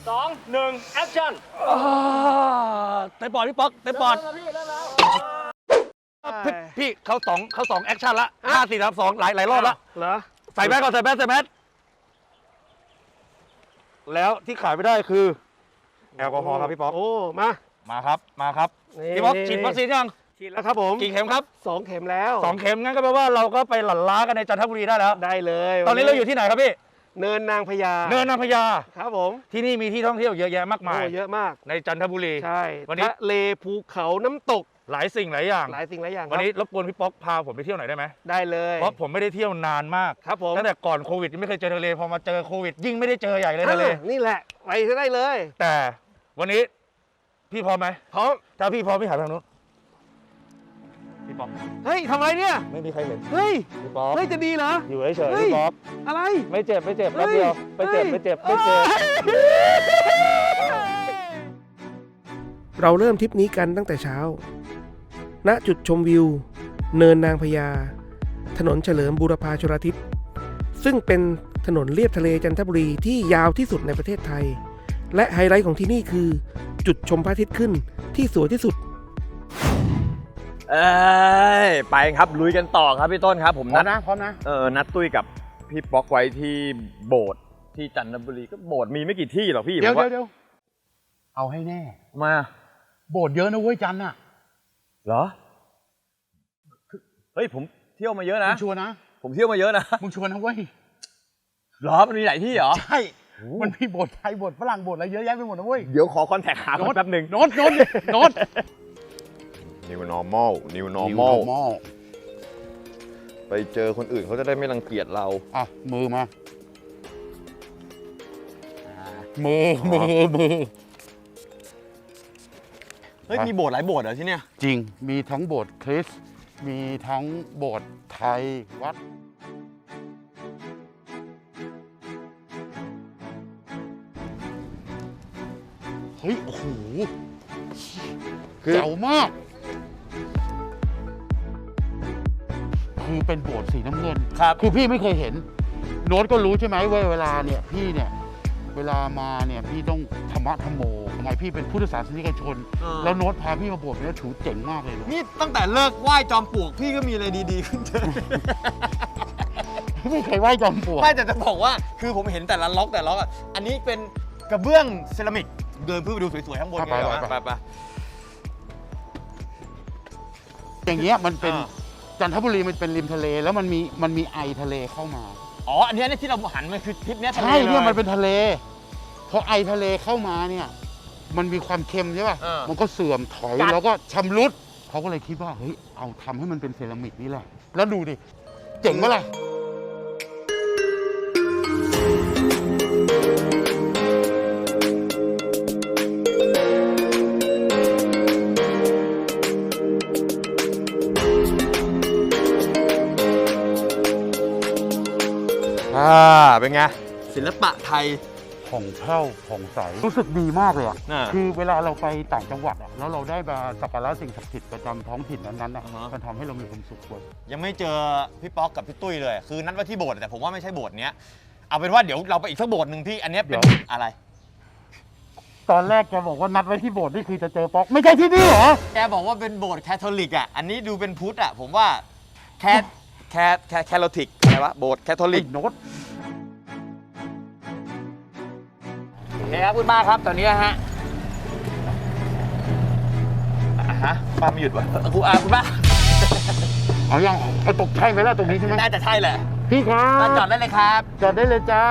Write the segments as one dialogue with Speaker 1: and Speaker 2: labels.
Speaker 1: 2 1 แอคชั่น
Speaker 2: เต็มปอดพี่ป๊อกเต็มปอดพี่เขาสองแอคชั่นละ5 4 3 2หลายรอบละ
Speaker 1: เหรอ
Speaker 2: ใส่แมสก่อนใส่แมสแล้วที่ขายไม่ได้คือแอลกอฮอล์ครับพี่ป๊อก
Speaker 1: โอ้มา
Speaker 2: ครับพี่ป๊อกฉีดวัคซีนยัง
Speaker 1: ฉีดแล้วครับผม
Speaker 2: กี่เข็มครับ
Speaker 1: 2 เข็มแล้ว
Speaker 2: 2 เข็มงั้นก็แปลว่าเราก็ไปหลั่นล้ากันในจันทบุรีได้แล้ว
Speaker 1: ได้เลย
Speaker 2: ตอนนี้เราอยู่ที่ไหนครับพี่
Speaker 1: เนินนางพญาครับผม
Speaker 2: ที่นี่มีที่ท่องเที่ยวเยอะแยะมากมาย
Speaker 1: เยอะมาก
Speaker 2: ในจันทบุรี
Speaker 1: ใช่วันนี้ทะเลภูเขาน้ำตก
Speaker 2: หลายสิ่งหลายอย่างวันนี้รบกวนพี่ป๊อกพาผมไปเที่ยวหน่อยได้ไหม
Speaker 1: ได้เลย
Speaker 2: เพราะผมไม่ได้เที่ยวนานมาก
Speaker 1: ครับผม
Speaker 2: ตั้งแต่ก่อนโควิดยังไม่เคยเจอทะเลพอมาเจอโควิดยิ่งไม่ได้เจอใหญ่เลยทะเล
Speaker 1: นี่แหละไปได้เลย
Speaker 2: แต่วันนี้พี่พร้อมไหม
Speaker 1: พร้อม
Speaker 2: ถ้าพี่พร้อมพี่หันไปทางนู้นพี่ป๊อก
Speaker 1: เฮ้ยทำอะไรเนี่ย
Speaker 2: ไม่มีใครเห็น
Speaker 1: เฮ้ย
Speaker 2: พี่ป๊อก
Speaker 1: เฮ้ยจะดีเหรอ
Speaker 2: อยู่เฉยๆพี่ป๊อก
Speaker 1: อะไร
Speaker 2: ไม่เจ็บแป๊บเดียวไม่เจ็บ
Speaker 3: เราเริ่มทริปนี้กันตั้งแต่เช้าณจุดชมวิวเนินนางพญาถนนเฉลิมบูรพาชลทิศซึ่งเป็นถนนเลียบทะเลจันทบุรีที่ยาวที่สุดในประเทศไทยและไฮไลท์ของที่นี่คือจุดชมพระอาทิตย์ขึ้นที่สวยที่สุด
Speaker 4: ไปครับลุยกันต่อครับพี่ต้นครับผม
Speaker 1: พร้อมนะ
Speaker 4: นัดตุ้ยกับพี่ป๊อกไว้ที่โบสถ์ที่จันทบุรีก็โบสถ์มีไม่กี่ที่หรอกพี่
Speaker 5: เดี๋ยวเอาให้แน่
Speaker 4: มา
Speaker 5: โบสถ์เยอะนะเว้ยจันน่ะ
Speaker 4: เหรอเฮ้ยผมเที่ยวมาเยอะนะ
Speaker 5: มึงชัวร์นะ
Speaker 4: ผมเที่ยวมาเยอะนะ
Speaker 5: มึงชัวร์นะเว้ย
Speaker 4: เหรอมันมีหลายที่เหรอ
Speaker 5: ใช่มันมีโบสถ์ไทยโบสถ์ฝรั่งโบสถ์อะไรเยอะแยะไปหมดนะเว้ย
Speaker 4: เดี๋ยวขอคอนแทคหาแป๊บหนึ่ง
Speaker 5: โน้ต
Speaker 4: New normal ไปเจอคนอื่นเขาจะได้ไม่รังเกียจเรา
Speaker 5: อ่ะมือมา
Speaker 4: มือเฮ้ยมีโบสถ์หลายโบสถ์เหรอที่เนี่ย
Speaker 5: จริงมีทั้งโบสถ์คริสต์มีทั้งโบสถ์ไทยวัดเฮ้ยโอ้โหเจ๋วมากคือเป็นโบสถ์สีน้ำเงินคือพี่ไม่เคยเห็นโน้ตก็รู้ใช่ไหมว่าเวลาเนี่ยพี่เนี่ยเวลามาเนี่ยพี่ต้องธรรมะธรรมโมทำไมพี่เป็นพุทธศาสนิกชนแล้วโน้ตพาพี่มาโบสถ์เนี่ยถือเจ๋งมากเลย
Speaker 4: นี่ตั้งแต่เลิกไหว้จอมปลวกพี่ก็มีอะไรดีๆขึ้นเยอะ
Speaker 5: ไม่เคยไหว้จอมปลวก
Speaker 4: ไม่แต่จะบอกว่าคือผมเห็นแต่ละล็อกอ่ะอันนี้เป็นกระเบื้องเซรามิกเดินเพื่อไปดูสวยๆข้างบนเลยไป
Speaker 5: อย่างเงี้ยมันเป็นจันทบุรีมันเป็นริมทะเลแล้วมันมีไอทะเลเข้ามา
Speaker 4: อ๋ออันนี้ที่เราหันมันคือทริปนี้ทะเล
Speaker 5: ใช่เนี่ยมันเป็นทะเลพอไอทะเลเข้ามาเนี่ยมันมีความเค็มใช่ป่ะมันก็เสื่อมถอยแล้วก็ชำรุดเขาก็เลยคิดว่าเฮ้ยเอาทำให้มันเป็นเซรามิกนี่แหละแล้วดูดิเจ๋งปะล่ะ
Speaker 4: เป็นไงศิลปะไทย
Speaker 5: ผ่องแผ้วผ่องใสรู้สึกดีมากเลยอ่ะคือเวลาเราไปต่างจังหวัดอ่ะแล้วเราได้มาสักการะสิ่งศักดิ์สิทธิ์ประจำท้องถิ่นนั้นๆอ่ะมันทำให้เรามีความสุขด้วย
Speaker 4: ยังไม่เจอพี่ป๊อกกับพี่ตุ้ยเลยคือนัดว่าที่โบสถ์แต่ผมว่าไม่ใช่โบสถ์เนี้ยเอาเป็นว่าเดี๋ยวเราไปอีกสักโบสถ์หนึ่งพี่อันนี้เป็นอะไร
Speaker 5: ตอนแรกแกบอกว่านัดไว้ที่โบสถ์นี่คือจะเจอป๊อกไม่ใช่ที่นี่เหรอ
Speaker 4: แกบอกว่าเป็นโบสถ์แคทอลิกอ่ะอันนี้ดูเป็นพุทธอ่ะผมว่าแคทอลิกอะไรวะโบสถ์แคทอลิก
Speaker 5: โน้ต
Speaker 4: ครับคุณป้าครับตอนนี้ฮะป้าไม่หยุดวะคุณป้า
Speaker 5: เอายังเอาตกใช่ไหมล่ะตรงนี้ใช่ไหม
Speaker 4: น่าจะใช่แหละ
Speaker 5: พี่ครับ
Speaker 4: จอดได้เลยครับ
Speaker 5: จอดได้เลยจ้า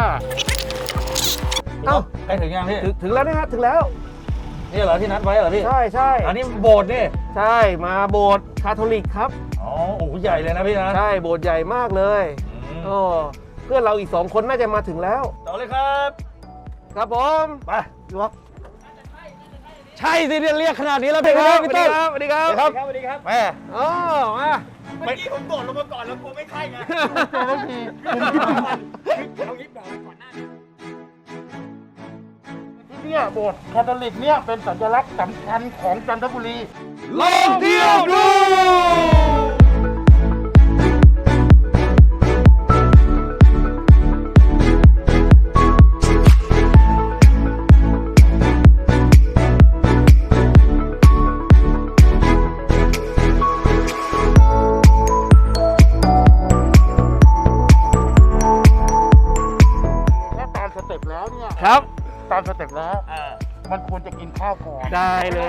Speaker 2: ไปถึงยังพี่
Speaker 1: ถึงแล้วนะครับถึงแล้ว
Speaker 2: นี่เหรอที่นัดไว้เหรอพี่
Speaker 1: ใช่
Speaker 2: อันนี้โบสถ์นี่
Speaker 1: ใช่มาโบสถ์คาทอลิกครับ
Speaker 2: อ๋อโอ้ใหญ่เลยนะพี่นะ
Speaker 1: ใช่โบสถ์ใหญ่มากเลยโอ้เพื่อนเราอีก2 คนน่าจะมาถึงแล้ว
Speaker 2: ต่อเลยครับ
Speaker 1: ครับผม
Speaker 2: ไปดูครับใช่สิเรียกขนาดนี้แล้วพี่ครับพี่ต้น
Speaker 1: สวัสดีครับ
Speaker 2: แม่
Speaker 1: มา
Speaker 4: เมื่อกี้ผมโดดลงมาก่อนแล้วกลัวไม่ใช่ไง
Speaker 5: ไม่ที
Speaker 4: เอางี้บอกก่อนหน้า
Speaker 5: เนี่ยโบสถ์คาทอลิกเนี่ยเป็นสัญลักษณ์สำคัญของจันทบุรี
Speaker 2: ลองเที่ยวดู
Speaker 1: ครับ
Speaker 5: ตามสเต็ปแล้วมันควรจะกินข้าวก่อน
Speaker 1: ได้เลย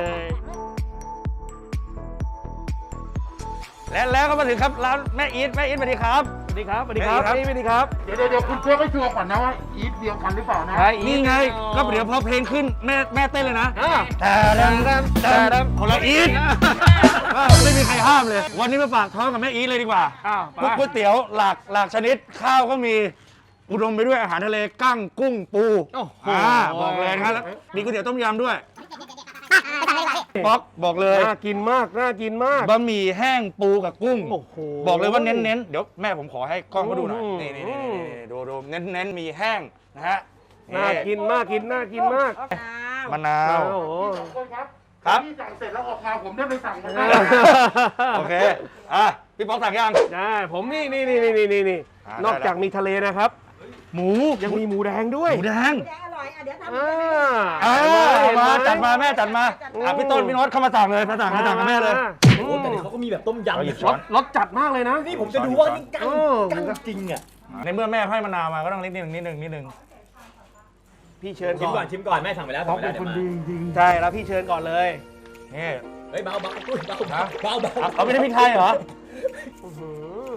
Speaker 2: แล้วก็มาถึงครับร้านแม่อีทสวัสดีครับ
Speaker 1: สวัสดีครับสวัสดีครับ
Speaker 2: สวัสดีครับ
Speaker 1: นี่สวัสดีครับ
Speaker 5: เดี๋ยวคุณเช็คให้ชัวร์ก่อนนะว่าอีทเดียวกันหรือเปล่านะ
Speaker 1: ใช่
Speaker 2: นี่ไงก็เดี๋ยวพอเพลงขึ้นแม่เต้นเลยนะ
Speaker 1: อ่า
Speaker 2: แต่คนละอีทไม่มีใครห้ามเลย วันนี้มาฝากท้องกับแม่อีทเลยดีกว่า
Speaker 1: อ้าว
Speaker 2: พวกก๋วยเตี๋ยวหลากชนิดข้าวก็มีอุดมไปด้วยอาหารทะเลกั้งกุ้งปู
Speaker 1: โอ้โห
Speaker 2: บอกเลยนะครับแล้วมีก๋วยเตี๋ยวต้มยำด้วยป๊อกบอกเลย
Speaker 1: น่ากินมากน่ากินมาก
Speaker 2: บะหมี่แห้งปูกับกุ้ง
Speaker 1: โอ้โห
Speaker 2: บอกเลยว่าเน้นๆเดี๋ยวแม่ผมขอให้กล้องเขาดูหน่อย
Speaker 1: อืม
Speaker 2: นี่ดูเน้นมีแห้งนะฮะ
Speaker 1: น่ากินมากน่ากินมาก
Speaker 2: มะนาว
Speaker 1: โอ้โห
Speaker 5: คนครับ
Speaker 2: ครับ
Speaker 5: ที่สั่งเสร็จแล้วออกมาผมได้ไปสั่งมา
Speaker 2: โอเคพี่ป๊อกสั่งยัง
Speaker 1: ได้ผมนี่
Speaker 2: อ่าน
Speaker 1: อกจากมีทะเลนะครับ
Speaker 2: หมู
Speaker 1: ยังมีหมูแดงด้วย
Speaker 2: หมูแดง
Speaker 6: แดงอร่อยอ่ะเดี๋ยวทำ
Speaker 1: อ่า
Speaker 6: ให้
Speaker 2: มา
Speaker 1: เห็นไห
Speaker 2: จัดมาแม่จัดมาพี่ต้นพี่โน้ตเข้ามาสั่งเลยมาสั่งกับแม่เลย
Speaker 1: โอ้
Speaker 7: แต่เดี๋ยวเขาก็มีแบบต้มยำ
Speaker 2: เอาหยิบ
Speaker 7: นะ
Speaker 2: ช้อน
Speaker 1: รสจัดมากเลยนะ
Speaker 7: นี่ผมจะดูว่านี่กั้ง
Speaker 1: เออ
Speaker 7: กั้งจริงอ่ะ
Speaker 2: ในเมื่อแม่ให้มะนาวมาก็ต้องนิดนึง
Speaker 1: พี่เชิญ
Speaker 7: ชิมก่
Speaker 1: ก่
Speaker 7: อ
Speaker 1: อน น
Speaker 7: ชิมก่อนแม่สั่งไปแล้วสั่งไปแล้วเดี๋ยวมา
Speaker 1: ใช่แล้วพี่เชิญก่อนเลย
Speaker 2: นี่
Speaker 7: เฮ้ยเบาตุ้ยเบาเบา
Speaker 2: เอาไม่ได้พริกไทยเหรอ
Speaker 1: อื้อหือ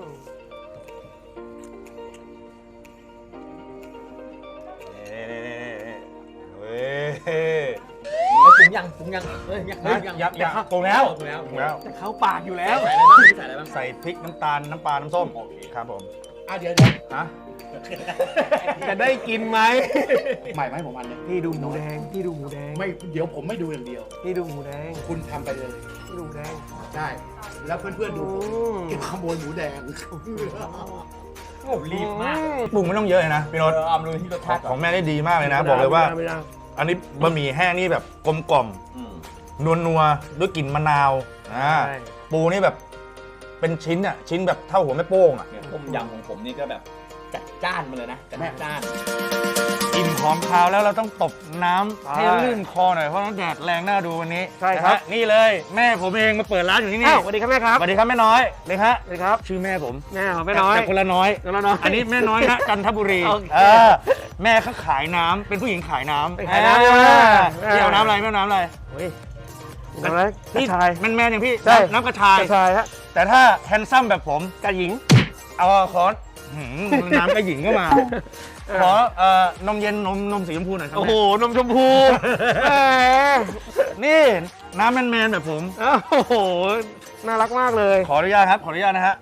Speaker 2: เว้ย
Speaker 7: ปรุงยังเฮ้ยยัง
Speaker 2: ปรุงแล้ว
Speaker 7: ปรุงแล้ว
Speaker 1: จะเข้าปากอยู่แล้ว
Speaker 7: ใส่อะไรบ้างใส่อะไรบ้าง
Speaker 2: ใส่พริกน้ำตาลน้ำปลาน้ำส้มครับผม
Speaker 5: เดี๋ยว
Speaker 2: ฮะ
Speaker 1: จะได้กินไหม
Speaker 5: ใหม่ไหมผมอันเนี้ย
Speaker 1: พี่ดูหมูแดงพี่ดูหมูแดง
Speaker 5: ไม่เดี๋ยวผมไม่ดูอย่างเดียว
Speaker 1: พี่ดูหมูแดง
Speaker 5: คุณทำไปเลย
Speaker 1: พี่ดูหมูแดง
Speaker 5: ใช่แล้วเพื่อนๆดูผม
Speaker 1: อืม
Speaker 5: เก็บขโมยหมูแดง
Speaker 7: โอ้รีบมาก
Speaker 2: ปรุงไม่ต้องเยอะเลยนะพี่โน้ต
Speaker 7: เอามาดูที่รสชาติ
Speaker 2: ของแม่ได้ดีมากเลยนะ บอกเลยว่า
Speaker 1: ไม่ได้
Speaker 2: อันนี้บะหมี่แห้งนี่แบบกลมกล่อมนัวด้วยกลิ่นมะนาวปูนี่แบบเป็นชิ้นอ่ะชิ้นแบบเท่าหัวแม่โป้งอ่ะ
Speaker 7: ต้มยำของผมนี่ก็แบบจัดจ้านมาเลยนะจัดจ้าน
Speaker 2: อิ่มของคาวแล้วเราต้องตบน้ำให้ลื่นคอหน่อยเพราะน้ำแดดแรงน่าดูวันนี้
Speaker 1: ใช่ครับ
Speaker 2: นะฮะนี่เลยแม่ผมเองมาเปิดร้านอยู่ที่นี่
Speaker 1: อ้าวสวัสดีครับแม่ครับ
Speaker 2: สวัสดีครับแม่น้อยเลยฮะ
Speaker 1: สวัสดีครับ
Speaker 2: ชื่อแม่ผม
Speaker 1: แม่ของแม่น้อย
Speaker 2: แต่คนละน้อย
Speaker 1: คนละน้อย
Speaker 2: อันนี้แม่น้อยฮะจันทบุรี
Speaker 1: โอเค
Speaker 2: แม่เขาขายน้ำเป็นผู้หญิงขายน้ำ
Speaker 1: ขายน้ำใช่ไหม
Speaker 2: พี่เอาน้ำอะไรแม่น้ำอะไร
Speaker 1: โอ้ยอะไรกระชาย
Speaker 2: แมนๆอย่างพี่
Speaker 1: ใช่
Speaker 2: น้ำกระชาย
Speaker 1: กระชายฮะ
Speaker 2: แต่ถ้าแฮนซัมแบบผม
Speaker 1: กระหญิง
Speaker 2: เอาคอนน้ำกระหญิงก็มา ขอนมเย็นนมสีชมพูหน่อยครับ
Speaker 1: โอ้โหนมชมพูแหม
Speaker 2: นี่น้ำแมนๆแบบผม
Speaker 1: โอ้โหน่ารักมากเลย
Speaker 2: ขออนุญาตครับขออนุญาตนะฮะ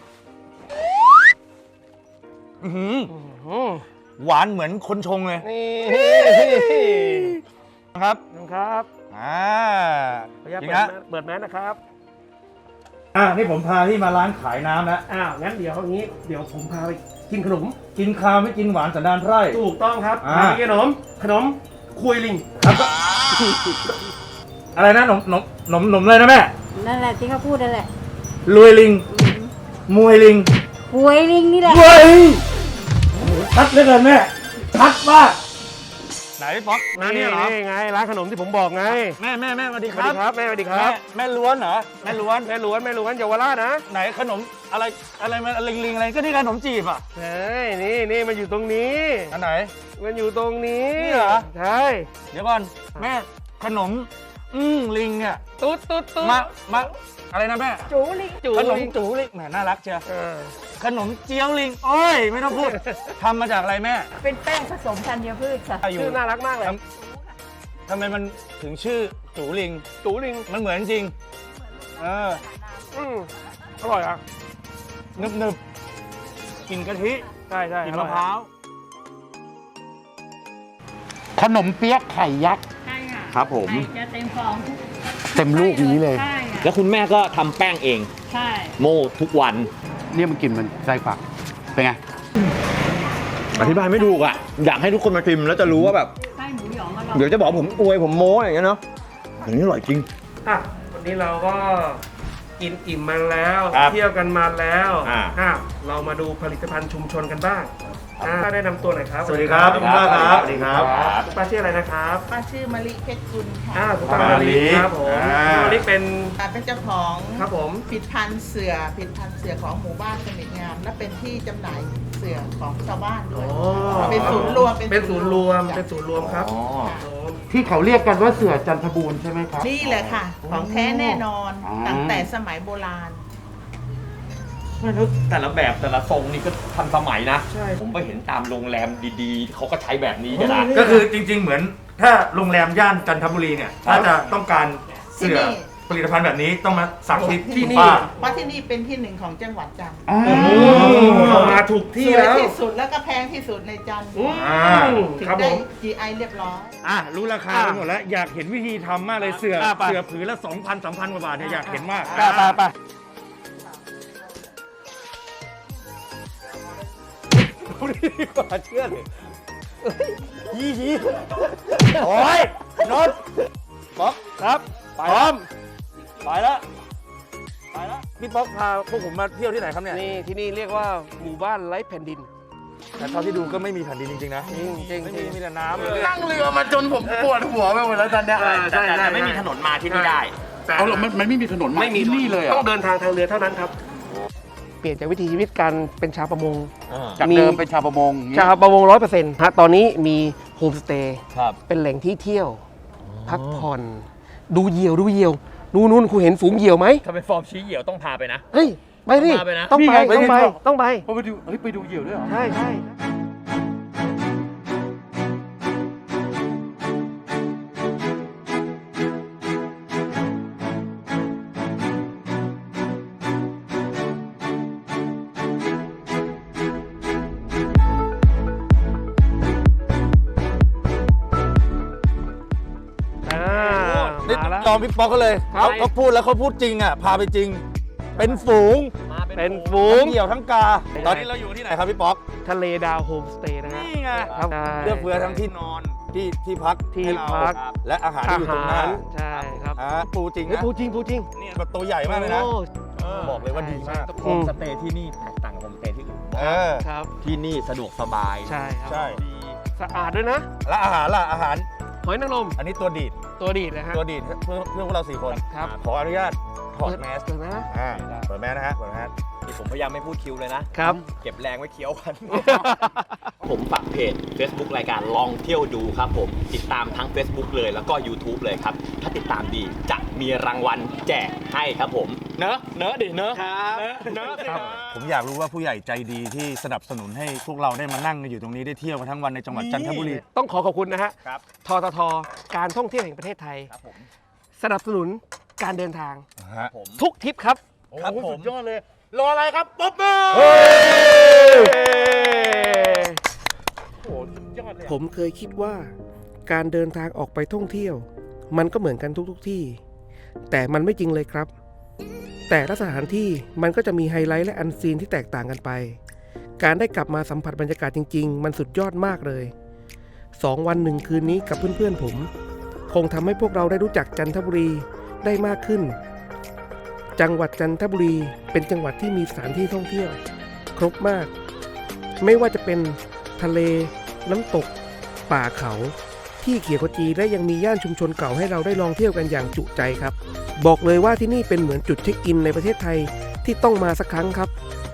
Speaker 2: อื้อหือ
Speaker 1: อืม
Speaker 2: หวานเหมือนคนชงเลย
Speaker 1: นี่
Speaker 2: ครับ
Speaker 1: ครับ
Speaker 2: ขออนุญาต
Speaker 1: จริ
Speaker 2: เปิ
Speaker 1: ง
Speaker 2: ด
Speaker 1: ฮะ
Speaker 2: นะ
Speaker 1: เปิดแมสนะครับ
Speaker 2: นี่ผมพาที่มาร้านขายน้ำแล้ว
Speaker 1: อ้าวงั้นเดี๋ยวอย่างนี้เดี๋ยวผมพาไปกินขนม
Speaker 2: กินข้าวไม่กินหวานสันดานไพร่
Speaker 1: ถูกต้องครับ
Speaker 2: อ่า
Speaker 1: พาไปกินขนมคุยลิง
Speaker 2: อะไรนะนมเลยนะแม่
Speaker 6: นั่นแหละที่เขาพูดนั่นแหละ
Speaker 2: รวยลิง มวยลิง
Speaker 6: หวยลิงนี่แหละ
Speaker 2: เฮ้ยชัดเหลือเกินแม่ชัดมากไหนพี่ป๊อกร้านนี้เหรอ
Speaker 1: นี่ไงร้านขนมที่ผมบอกไง
Speaker 2: แม่สวัสดี
Speaker 1: ส
Speaker 2: ค
Speaker 1: วัส
Speaker 2: รั
Speaker 1: ดี
Speaker 2: บ
Speaker 1: ครับแม่สวัสดีครับ
Speaker 2: แม่ล้วนเหรอแม่ล้วน
Speaker 1: แม่ล้วนเยาวราชนะ
Speaker 2: ไหนขนมอะไรมันลิงอะไรก็นี่ขนมจีบอ่ะ
Speaker 1: ใช่นี่มันอยู่ตรงนี้
Speaker 2: อันไหน
Speaker 1: มันอยู่ตรงนี้
Speaker 2: นี่เหรอ
Speaker 1: ใช่
Speaker 2: เดี๋ยวก่อนแม่ขนมลิงเนี่ย
Speaker 1: ตุ๊ด
Speaker 2: มาอะไรนะแม่
Speaker 6: จูลิง
Speaker 1: จู
Speaker 2: ขนม
Speaker 1: ลิง
Speaker 2: จูลิงแหมน่ารักเชียว
Speaker 1: เออ
Speaker 2: ขนมเจียวลิงโอ้ยไม่ต้องพูดทำมาจากอะไรแม่
Speaker 6: เป็นแป้งผสมธัญพืชค่ะ
Speaker 1: ชื่อน่ารักมากเลย
Speaker 2: ทำไมมันถึงชื่อจูลิง
Speaker 1: จูลิง
Speaker 2: มันเหมือนจริง
Speaker 1: อร่อยอ่ะ
Speaker 2: นึบกลิ่นกะทิ
Speaker 1: ใช่
Speaker 2: กลิ่นมะพร้าว
Speaker 5: ขนมเปี๊ยะไข่ยักษ์
Speaker 6: ใช่ค่ะ
Speaker 7: ครับผม
Speaker 6: จะเต็มฟองทุก
Speaker 5: เต็มลูกนี้เลย
Speaker 6: ใช่ค่ะ
Speaker 7: แล้วคุณแม่ก็ทำแป้งเอง
Speaker 6: ใช่
Speaker 7: โม่ทุกวัน
Speaker 5: เนี่ยมันกลิ่นมันไส้ฝักเป็นไง
Speaker 4: อธิบายไม่ถูกอ่ะอยากให้ทุกคนมาชิมแล้วจะรู้ว่าแบบ
Speaker 6: ไส้หมูหยองอร่อย
Speaker 4: เดี๋ยวจะบอกผมอวยผมโม้อย่างเงี้ยเนาะอันนี้อร่อยจริง
Speaker 1: อ่ะวันนี้เราก็กินอิ่มมาแล้ว
Speaker 4: ครับ
Speaker 1: เที่ยวกันมาแล้ว
Speaker 4: อ่า
Speaker 1: เรามาดูผลิตภัณฑ์ชุมชนกันบ้าง
Speaker 3: ป้าแนะนำตัวหน่อยครับ
Speaker 2: สวัสดีครับคุณป้าครับสวัสดีครับ
Speaker 3: คุณป้าชื่ออะไรนะครับ
Speaker 8: ป้าชื่อมะลิเพชรกุลค่ะ
Speaker 3: คุณป้ามาลีครับผมมาลีเป็น
Speaker 8: เป็นเจ้าของ
Speaker 3: ครับผม
Speaker 8: ผลิตภัณฑ์เสือของหมู่บ้านสมิทงาม และเป็นที่จำหน่ายเสือของชาวบ้านด้วย เป็นศูนย์รวม
Speaker 3: เป็นศูนย์รวมครับ
Speaker 8: ค่ะ
Speaker 5: ที่เขาเรียกกันว่าเสือจันทบูรณ์ใช่ไหมครับ
Speaker 8: นี่แหละค่ะ ของแท้แน่นอน
Speaker 5: อ๋อ
Speaker 8: ตั้งแต่สมัยโบราณ
Speaker 7: ไม่รู้แต่ละแบบแต่ละทรงนี่ก็ทันสมัยนะ
Speaker 3: ใช่
Speaker 7: ผมไปเห็นตามโรงแรมดีๆ เขาก็ใช้แบบนี้กันนะ
Speaker 2: ก็คือจริง ๆ เหมือนถ้าโรงแรมย่านจันทบุรีเนี่ยถ้าจะต้องการเสื้อ
Speaker 8: ที่นี่
Speaker 2: ผลิตภัณฑ์แบบนี้ต้องมาสั่งที่
Speaker 3: ที่
Speaker 2: คุณ
Speaker 3: นี่
Speaker 2: ป้า
Speaker 8: เพราะที่นี่เป็นที่หนึ่งของจังหวัดจันทร์
Speaker 3: เรามาถูกที่
Speaker 8: สวย
Speaker 3: แล้ว
Speaker 8: ที่สุดแล้วก็แพงที่สุดในจันทร์ ถึง
Speaker 3: ครับผ
Speaker 8: ได้
Speaker 3: ม
Speaker 8: GI เรียบร้อย
Speaker 2: รู้ราคาไปหมดแล้วอยากเห็นวิธีทำมากเลยเสือผืนละ 2,000 3,000 กว่าบาทเนี่ยอยากเห็นมาก
Speaker 3: ไปดีกว่าเชื่อเลย
Speaker 2: ยี่โอ้ยนนท์ป๊อกครับพร้อมไปแล้วพี่ป๊อกพาพวกผมมาเที่ยวที่ไหนครับเนี่ย
Speaker 3: นี่ที่นี่เรียกว่าหมู่บ้านไร้แผ่นดิน
Speaker 2: แต่เท่าที่ดูก็ไม่มีแผ่นดินจริงๆนะ
Speaker 3: จริง
Speaker 2: ไม่มีมีแต่น้ำเลย
Speaker 5: นั่งเรือมาจนผมปวดหัวไปหมดแล้วตอนเนี้ย
Speaker 7: แต่ไม่มีถนนมาที่นี่ได้
Speaker 5: เอาหรอมันไม่มีถนนมา
Speaker 3: ไม่มี
Speaker 5: ที่นี่เลยเหร
Speaker 3: ต้
Speaker 5: อ่ะ
Speaker 3: องเดินทางทางเรือเท่านั้นครับ เปลี่ยนจากวิถีชีวิตการเป็นชาวประมง
Speaker 5: จากเดิมเป็นชาวประมงอย่างงี้
Speaker 3: ชาวประมง100%ฮะตอนนี้มีโฮมสเตย์
Speaker 7: ครับ
Speaker 3: เป็นแหล่งที่เที่ยว พักผ่อน ดูเหยี่ยวนู่นคุณเห็นฝูงเหยี่ยวไหม
Speaker 7: ถ้าเป็นฟอร์มชี้เหี่ยวต้องพาไปนะ
Speaker 3: เฮ้ยไปดิ
Speaker 7: พาไปนะ
Speaker 3: ต้องไป
Speaker 5: นี่ไง
Speaker 3: ต้องไป
Speaker 5: ไปดูไปดูเหยี่ยวด้วยเหรอ
Speaker 3: ใช่
Speaker 2: นี่
Speaker 3: มาแล้ว
Speaker 2: ยอมพี่ป๊อกเขาเลย
Speaker 3: ครับ
Speaker 2: เขาพูดแล้วเขาพูดจริงอ่ะพาไปจริง เป็นฝูง
Speaker 3: เป็นฝูง
Speaker 2: ทั้งเหยี่ยวทั้งกา ตอนนี้เราอยู่ที่ไหนครับพี่ป๊อก
Speaker 3: ทะเลดาวโฮมสเตย์นะฮะ
Speaker 2: นี่ไง
Speaker 3: ครับ
Speaker 2: เลือกเฟือทั้งที่นอนที่พัก
Speaker 3: ที่
Speaker 2: ให้เรา
Speaker 3: พัก
Speaker 2: และอาหารที่อยู่ตรงหน้า
Speaker 3: ใช่ครับ
Speaker 2: ปูจริง
Speaker 3: เฮ้ย
Speaker 2: นะ
Speaker 3: ปูจริง
Speaker 2: เนี่ยแบบตัวใหญ่มากเลยนะ
Speaker 3: โอ้
Speaker 2: บอกเลยว่าดีมาก
Speaker 7: โฮมสเตย์ที่นี่แตกต่างกับโฮมสเตย์ที่อื่น
Speaker 3: ครับ
Speaker 7: ที่นี่สะดวกสบาย
Speaker 3: ใช่ครับ
Speaker 2: ใช่
Speaker 3: สะอาดด้วยนะ
Speaker 2: แล้วอาหารล่ะอาหาร
Speaker 3: หอยนางรม
Speaker 2: อันนี้ตัวดีด
Speaker 3: ตัวดีดนะฮะ
Speaker 2: ตัวดีดเพื่อพวกเรา4 คน
Speaker 3: ครับ
Speaker 2: ขออนุญาตถอดแมส
Speaker 3: เปิดนะ
Speaker 2: เปิดแมสนะฮะเปิดแมส
Speaker 7: ที่ผมพยายามไม่พูดคิวเลยนะ
Speaker 3: ครับ
Speaker 7: เก็บแรงไว้เคี้ยวกัน ผมฝากเพจ Facebook รายการลองเที่ยวดูครับผม ติดตามทั้ง Facebook เลยแล้วก็ YouTube เลยครับ ถ้าติดตามดีจะมีรางวัลแจกให้ครับผม เนอะดิเนอะครับเนอะสิ
Speaker 2: ผมอยากรู้ว่าผู้ใหญ่ใจดีที่สนับสนุนให้พวกเราได้มานั่งกันอยู่ตรงนี้ได้เที่ยวกันทั้งวันในจังหวัดจันทบุรี
Speaker 3: ต้องขอบคุณนะฮะ
Speaker 7: ครับ
Speaker 3: ททท การท่องเที่ยวแห่งประเทศไทย
Speaker 7: ครับผม
Speaker 3: สนับสนุนการเดินทาง
Speaker 7: ผม
Speaker 3: ทุกทริปครับ
Speaker 2: ครับผม
Speaker 5: สุดยอดเลย รออะไรครับป๊บมือ
Speaker 3: ผมเคยคิดว่าการเดินทางออกไปท่องเที่ยว มันก็เหมือนกันทุกที่ แต่มันไม่จริงเลยครับ แต่ละสถานที่มันก็จะมีไฮไลท์และอันซีนที่แตกต่างกันไป การได้กลับมาสัมผัสบรรยากาศจริงๆ มันสุดยอดมากเลย 2 วัน 1 คืนนี้กับเพื่อนๆผม คงทำให้พวกเราได้รู้จักจันทบุรีได้มากขึ้น จังหวัดจันทบุรีเป็นจังหวัดที่มีสถานที่ท่องเที่ยว ครบมาก ไม่ว่าจะเป็นทะเล น้ำตก ป่าเขา ที่เขียวขจีและยังมีย่านชุมชนเก่าให้เราได้ลองเที่ยวกันอย่างจุใจครับ บอกเลยว่าที่นี่เป็นเหมือนจุดเช็คอินในประเทศไทยที่ต้องมาสักครั้งครับ